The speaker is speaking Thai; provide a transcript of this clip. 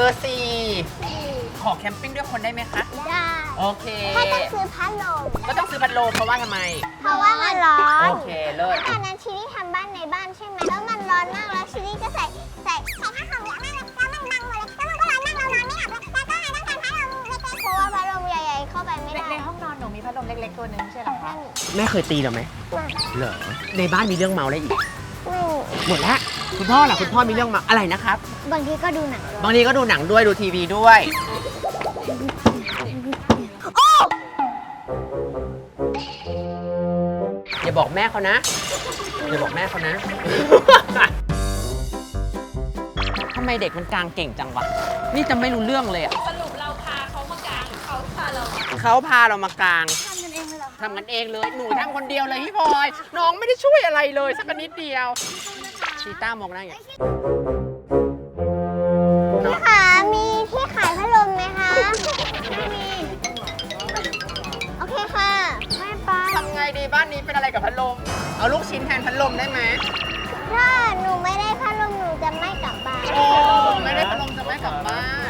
อร์4ขอแคมปิ้งด้วยคนได้ไหมคะได้โอเคถ้าต้องซื้อพัดลมก็ต้องซื้อพัดลมเพราะว่าทำไมเพราะว่ามันร้อนโอเคเลิศตอนนั้นชิลลี่ทำบ้านในบ้านใช่ไหมแล้วมันร้อนมากแล้วชิลลี่ก็ใส่ผ้าห่มเยอะมากเลยแล้วมันบังหมดเลยแล้วมันก็ร้อนมากเรานอนไม่หลับแล้วก็เลยต้องการพัดลมเล็กๆเพราะว่าพัดลมใหญ่ๆเข้าไปไม่ได้ในห้องนอนหนูมีพัดลมเล็กๆตัวหนึ่งใช่เหรอคะแม่เคยตีเราไหมไม่เหรอในบ้านมีเรื่องเมาอะไรอีกไม่หมดแล้วคุณพ่อล่ะคุณพ่อมีเรื่องเมาอะไรนะครับบางทีก็ดูหนังบางทีก็ดูหนังด้วยดูทีวีด้วย อย่าบอกแม่เขานะ อย่าบอกแม่เขานะ ทำไมเด็กมันกลางเก่งจังวะ นี่จะไม่รู้เรื่องเลยอะสรุปเราพาเขามากลางเขาพาเราเขาพาเรามากลางทำกันเองเลยเหรอทำกันเองเลย หนูทำคนเดียวเลยพี่พลอย น้องไม่ได้ช่วยอะไรเลยสักนิดเดียว ชีต้ามองหน้าอย่างนี้พี่คะมีที่ขายพัดลมไหมคะไม่มีโอเคค่ะไม่ไปทำไงดีบ้านนี้เป็นอะไรกับพัดลม เอาลูกชิ้นแทนพัดลมได้ไหมถ้าหนูไม่ได้พัดลมหนูจะไม่กลับบ้านโอ้ไม่ได้พัดลมจะไม่กลับบ้าน